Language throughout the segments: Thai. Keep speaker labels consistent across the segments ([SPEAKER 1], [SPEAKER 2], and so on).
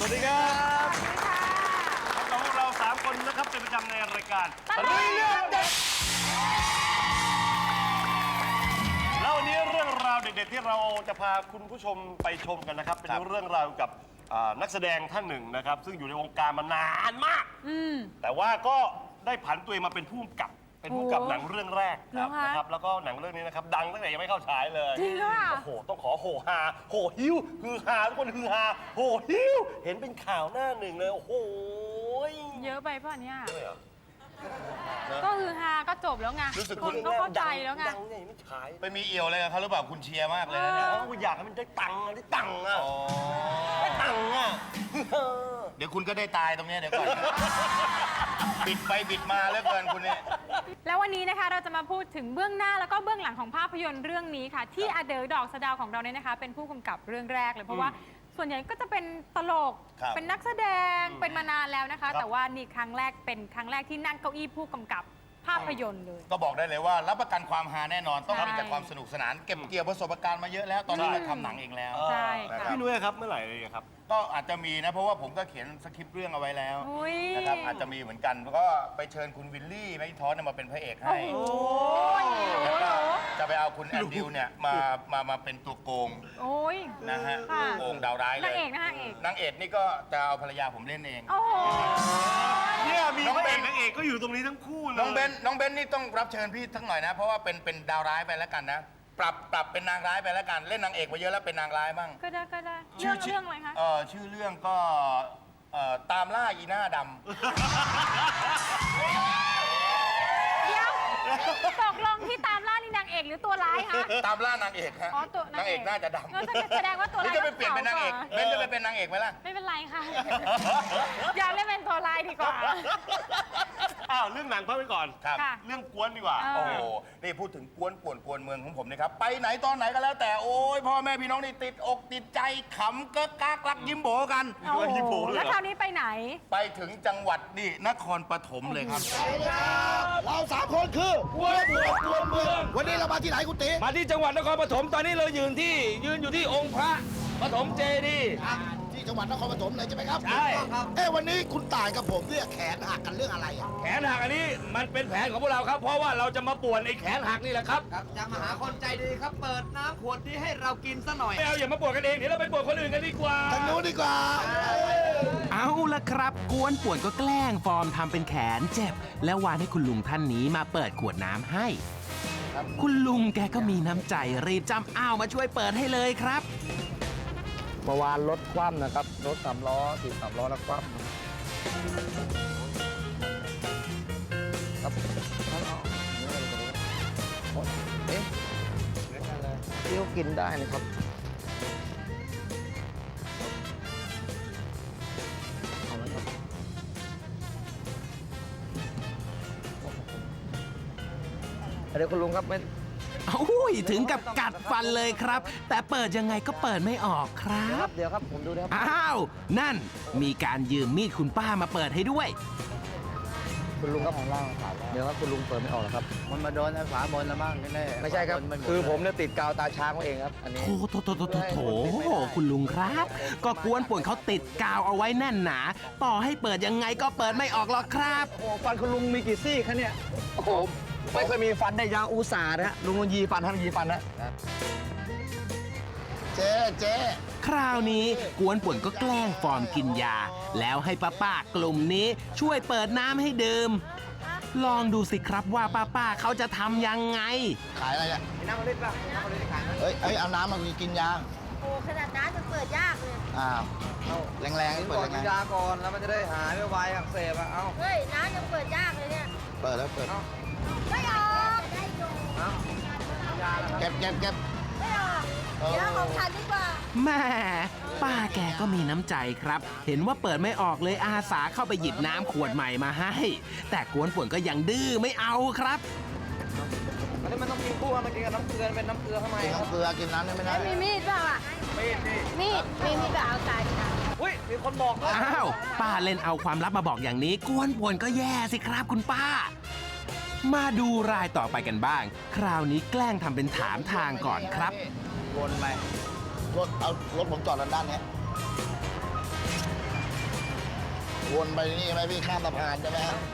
[SPEAKER 1] วัสดีครับพบกับพวกเรา3 คนนะครับเป็นประจำในรายการเรื่องเด็ดแล้ววันนี้เรื่องราวเด็ดๆที่เราจะพาคุณผู้ชมไปชมกันนะครับเป็นเรื่องราวกับนักแสดงท่านหนึ่งนะครับซึ่งอยู่ในวงการมานานมากแต่ว่าก็ได้ผันตัวเองมาเป็นผู้กำกับหนังเรื่องแรกนะครับแล้วก็หนังเรื่องนี้นะครับดังตั้งแต่ยังไม่เข้าฉายเลย
[SPEAKER 2] จริงค่ะ
[SPEAKER 1] โอ้โหต้องขอโหฮาโหฮิ้วฮือฮาทุกคนฮือฮาโหฮิ้วเห็นเป็นข่าวหน้าหนึ่งเลยโอ้โห
[SPEAKER 2] เยอะไปป่ะเนี่ย
[SPEAKER 1] เยอะเหรอ
[SPEAKER 2] ก็คือฮาก็จบแล้วไงคนก็เข้าใจแล้วไง
[SPEAKER 1] ดังไงไม่ฉาย
[SPEAKER 3] ไปมีเอี่ยวอะไรกับเขาหรือเปล่าคุณเชียร์มากเลยนะเนี่ย
[SPEAKER 1] อยากให้มันได้ตังค์ได้ตังค์อ่ะได้ตังค์อ่ะ
[SPEAKER 3] เดี๋ยวคุณก็ได้ตายตรงนี้เดี๋ยวก่อนบิดไปบิดมาเหลือเกินคุณเนี่ย
[SPEAKER 2] แล้ววันนี้นะคะเราจะมาพูดถึงเบื้องหน้าแล้วก็เบื้องหลังของภาพยนตร์เรื่องนี้ค่ะที่อเดอดอกสะดาวของเราเนี่ยนะคะเป็นผู้กำกับเรื่องแรกเลยเพราะว่าส่วนใหญ่ก็จะเป็นตลกเป็นนักแสดงเป็นมานานแล้วนะคะแต่ว่านี่ครั้งแรกเป็นครั้งแรกที่นั่งเก้าอี้ผู้กำกับภาพยนตร์เลย
[SPEAKER 3] ก็บอกได้เลยว่ารับประกันความฮาแน่นอนต้องมีแต่ความสนุกสนานเก็บเกี่ยวประสบการณ์มาเยอะแล้วตอนนี้เราทำหนังเองแล้ว
[SPEAKER 2] ใช่ค่ะ
[SPEAKER 1] พี่นุ้ยครับเมื่อไหร่เลยครับ
[SPEAKER 3] ก็อาจจะมีนะเพราะว่าผมก็เขียนสคริปต์เรื่องเอาไว้แล้วนะครับอาจจะมีเหมือนกันก็ไปเชิญคุณวิลลี่แมคอินทอสมาเป็นพระเอกให้แล้วก็จะไปเอาคุณแอนดิวเนี่ยมาเป็นตัวโกงนะฮะตัวโกงดาวร้ายเลย
[SPEAKER 2] นางเอกนะฮะ
[SPEAKER 3] นางเอกนี่ก็จะเอาภรรยาผมเล่นเอง
[SPEAKER 1] เนี่ยมีพระเอกนางเอกก็อยู่ตรงนี้ทั้งคู่เลย
[SPEAKER 3] น้องเบนนี่ต้องรับเชิญพี่ทั้งหน่อยนะเพราะว่าเป็นดาวร้ายไปแล้วกันนะปรับเป็นนางร้ายไปแล้วกันเล่นนางเอกมาเยอะแล้วเป็นนางร้ายบ้าง
[SPEAKER 2] ก็ได้เรื่องอะไรคะ
[SPEAKER 3] ชื่อเรื่องก็ตามล่าอีหน้าดำ
[SPEAKER 2] เดี๋ยวตกลงที่ตามล่านี่นางเอกหรือตัวร้ายคะ
[SPEAKER 3] ตามล่านางเอกฮะนางเอกน่าจะดำ
[SPEAKER 2] แสดงว่าตัวร้าย
[SPEAKER 3] จะไปเปลี่ยนเป็นนางเอกเบนจะไปเป็นนางเอกไหมล่ะ
[SPEAKER 2] ไม่เป็นไรค่ะอยากเล่นเป็นตัวร้ายดีกว่า
[SPEAKER 1] เรื่องหนังพักไปก่อนเรื่องกวนดีกว่า
[SPEAKER 3] โอ้โหนี่พูดถึงกวนป่วนกวนเมืองของผมนะครับไปไหนตอนไหนก็แล้วแต่โอ้ยพ่อแม่พี่น้องนี่ติดอกติดใจขำเก๊กกักรักยิ้มโบกัน
[SPEAKER 2] แล้วคราวนี้ไปไหน
[SPEAKER 3] ไปถึงจังหวัดนี่นครปฐมเลยครับ
[SPEAKER 4] เรา3 คนคือกวนเมืองวันนี้เรามาที่ไหนคุณตี
[SPEAKER 5] มาที่จังหวัดนครปฐมตอนนี้เรายืนอยู่ที่องค์พระปฐมเจดีย์
[SPEAKER 4] ที่จังหวัดนครปฐมเลยใช่ไหมครับ
[SPEAKER 5] ใช่
[SPEAKER 4] ครับวันนี้คุณต่ายกับผมเนี่ยแขนหักกันเรื่องอะไรอ่ะ
[SPEAKER 5] แขนหักอันนี้มันเป็นแผนของพวกเราครับเพราะว่าเราจะมาป่วนไอ้แขนหักนี่แหละครับ
[SPEAKER 6] จะมาหาคนใจดีครับเปิดน้ำขวดนี้ให้เรากินซะหน่อย
[SPEAKER 5] ไม่เอาอย่ามาป่วนกันเองเดี๋ยวเราไปป่วนคนอื่นกันดีกว่า
[SPEAKER 4] ทางนู้นดีกว่า
[SPEAKER 7] เอาละครับกวนป่วนก็แกล้งฟอร์มทำเป็นแขนเจ็บแล้ววานให้คุณลุงท่านนี้มาเปิดขวดน้ำให้คุณลุงแกก็มีน้ำใจรีบจำอ้าวมาช่วยเปิดให้เลยครับ
[SPEAKER 6] เมื่อวานรถคว่ำนะครับรถ3 ล้อ3 ล้อแล้วคว่ำครับเอ๊ะเที่ยวกินได้นะครับเอาละครับเดี๋ยวคุณลุงครับ
[SPEAKER 7] อุ้ยถึงกับกัดฟันเลยครับแต่เปิดยังไงก็เปิดไม่ออกครับ
[SPEAKER 6] เดี๋ยวครับผมดูนะครับ
[SPEAKER 7] อ้าวนั่นมีการยืมมีดคุณป้ามาเปิดให้ด้วย
[SPEAKER 6] คุณลุงครับของล่างเดี๋ยวครับคุณลุงเปิดไม่ออกหรอครับมันมาโดนฝาบนแล้วบ้างแน่ไม่ใช่ครับคือผมเนี่ยติดกาวตาช้างไว้เองครับอันนี้
[SPEAKER 7] โถคุณลุงครับก็กวนป่วนเขาติดกาวเอาไว้แน่นหนาต่อให้เปิดยังไงก็เปิดไม่ออกหรอกครับ
[SPEAKER 6] โอ้ฟันคุณลุงมีกี่ซี่คะเนี่ยโอ้โหไม่เคยมีฟันได้ยาวอุตส่าห์นะลุงยีฟันท่านยีฟันนะ
[SPEAKER 4] เจ๊
[SPEAKER 7] คราวนี้กวนป่วนก็แกล้งฟอร์มกินยาแล้วให้ป้ากลุ่มนี้ช่วยเปิดน้ำให้ดื่มลองดูสิครับว่าป้าเขาจะทำยังไง
[SPEAKER 4] ขายอะไรอ่ะ
[SPEAKER 6] น้ำมะลิป่ะน้ำมะลิขายไหม
[SPEAKER 4] เอาน้ำมากินยา
[SPEAKER 8] โอ้ขนาดนั้นจะเปิดยากเลย
[SPEAKER 4] อ้าวแรงๆนี่เปิด
[SPEAKER 6] กินยาก่อนแล้วมันจะได้หายไม่ไวอักเสบอ่ะเอ้า
[SPEAKER 8] เฮ้ยน้ำยังเปิดยากเลยเนี่ย
[SPEAKER 4] เปิดแล้ว
[SPEAKER 8] ไม่ออก
[SPEAKER 4] เก็บ
[SPEAKER 8] ไม่ออกเดี๋ยวของฉันดีกว่า
[SPEAKER 7] แม่ป้าแกก็มีน้ำใจครับเห็นว่าเปิดไม่ออกเลยอาสาเข้าไปหยิบน้ำขวดใหม่มาให้แต่กวนป่วนก็ยังดื้อไม่เอาครับ
[SPEAKER 6] อันนี้มันต้องกินคู่มันกินกับน้ำเกลือเป็นน้ำเกลือทำไม
[SPEAKER 4] น้ำเกลือกินน้ำได้ไหมนะ
[SPEAKER 8] มีมีดเปล่าอ่ะมีดก็เอาตายนะ
[SPEAKER 6] อุ้ยมีคนบอกด้วย
[SPEAKER 7] อ้าวป้าเล่นเอาความลับมาบอกอย่างนี้กวนป่วนก็แย่สิครับคุณป้ามาดูรายต่อไปกันบ้างคราวนี้แกล้งทำเป็นถามทางก่อนครับ
[SPEAKER 4] วนไปรถผมจอดด้านนี้วนไปนี่ไหมพี่ข้ามสะพานใช่ไหมฮะ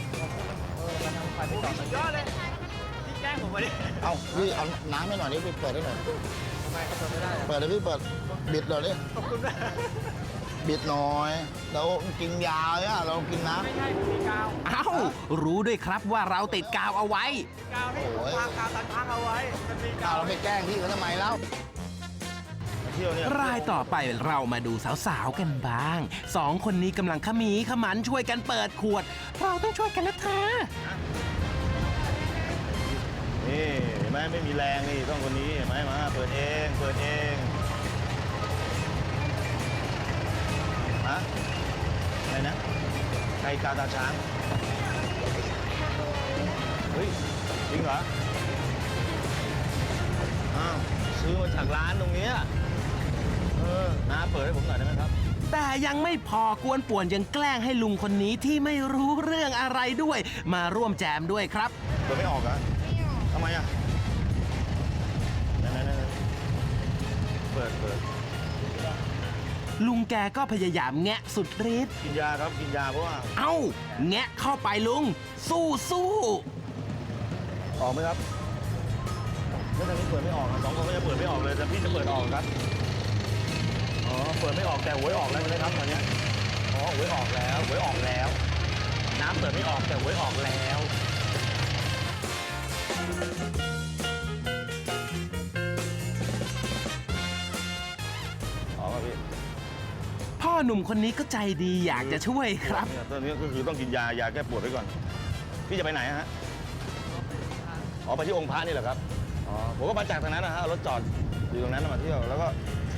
[SPEAKER 1] ยอดเลยที่แกล้งผมมาดิ
[SPEAKER 4] เอาพี่เอาน้ำให้หน่อยนี่พี่เปิดให้หน่อยเปิดเลยพี่เปิดบิดหน่อยดิ
[SPEAKER 1] ขอบคุณนะ
[SPEAKER 4] บิดหน่อยเรากินยาเนี่ยเรากินน้ำ
[SPEAKER 1] ไม่ใช่ผมมีกาว
[SPEAKER 7] เอ้า รู้ด้วยครับว่าเราติดกาวเอาไว้
[SPEAKER 1] กาวที่ผมวางกาวตัดทางเอาไว้มันมีกาว
[SPEAKER 4] เราไปแกล้งพี่เขาทำไมแล้ว
[SPEAKER 3] เที่ยวเนี่ย
[SPEAKER 7] รายต่อไปเรามาดูสาวๆกันบ้างสองคนนี้กำลังขมีขมันช่วยกันเปิดขวด เราต้องช่วยกันนะคะ
[SPEAKER 3] นี่เห็นไหมไม่มีแรงนี่ต้องคนนี้เห็นไหมมาเปิดเองเปิดเองฮะอะไรนะใครกาวตาช้างเฮ้ยจริงเหรออ้าวซื้อมาจากร้านตรงเนี้ยน้าเปิดให้ผมหน่อยได้ไหมครับ
[SPEAKER 7] แต่ยังไม่พอกวนป่วนยังแกล้งให้ลุงคนนี้ที่ไม่รู้เรื่องอะไรด้วย มาร่วมแจมด้วยครับ
[SPEAKER 3] เปิดไม่ออกเหรอทำไมอ่ะนั่นเปิด
[SPEAKER 7] ลุงแกก็พยายามแงะสุดฤทธิ์
[SPEAKER 3] กินยาครับกินยาเพราะว่า
[SPEAKER 7] เอ้า แงะเข้าไปลุง สู้สู้
[SPEAKER 3] ออกไหมครับแล้วทางนี้เปิดไม่ออกสองคนก็จะเปิดไม่ออกเลยแต่พี่จะเปิดออกครับอ๋อเปิดไม่ออกแต่หวยออกแล้วเลยครับตอนนี้อ๋อหวยออกแล้วหวยออกแล้ว น้ำเปิดไม่ออกแต่หวยออกแล้วออกครับพี่
[SPEAKER 7] พ่อหนุ่มคนนี้ก็ใจดีอยากจะช่วยครับ
[SPEAKER 3] เนี่ยตอนนี้ก็คือต้องกินยาแก้ปวดไว้ก่อน พี่จะไปไหนฮะอ๋อไปที่องค์พระนี่เหรอครับอ๋อผมก็มาจากทางนั้นนะฮะเอารถจอดอยู่ตรงนั้นมาเที่ยวแล้วก็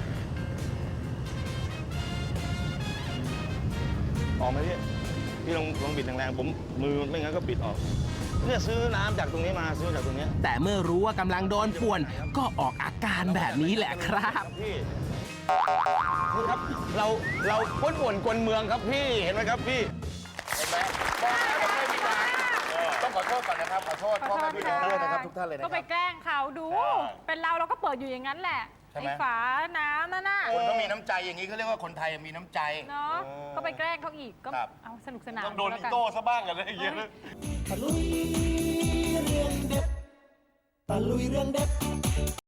[SPEAKER 3] ออกไหมพี่ลองบิดแรงๆผมมือไม่งั้นก็บิดออกเนี่ยซื้อน้ำจากตรงนี้มาซื้อจากตรงเนี้ย
[SPEAKER 7] แต่เมื่อรู้ว่ากำลังโดนป่วน ก็ออกอาการแบบนี้แหละครับ
[SPEAKER 3] พี่นี่ครับเราป่วนกวนเมืองครับพี่เห็นไหมครับพี่เห็นไหมบอกแล้วไม่มีทางต้องขอโทษก่อนนะครับขอโทษพ่อแม่พี่น้องด้วยนะครับทุกท่านเลยนะค
[SPEAKER 2] ก็
[SPEAKER 3] รับ
[SPEAKER 2] ไปแกล้งเขาดู เป็นเราก็เปิดอยู่อย่างนั้นแหละ
[SPEAKER 3] ใช่ไหม
[SPEAKER 2] ไอ้ฝาน้ำนั่นน่ะ
[SPEAKER 3] คนต้องมีน้ำใจอย่างนี้เขาเรียกว่าคนไทยมีน้ำใจ
[SPEAKER 2] เนาะก็ไปแกล้งเขาอีกก็
[SPEAKER 3] ครับ
[SPEAKER 2] เอาสนุกสนาน
[SPEAKER 1] ต้องโดน
[SPEAKER 2] แล้ว
[SPEAKER 1] อี
[SPEAKER 2] กัน
[SPEAKER 1] โต้ซะบ้างกันเลยอย่างเงี้ยนะ
[SPEAKER 9] ตะลุยเรื่องเด็ดตะลุยเรื่องเด็ด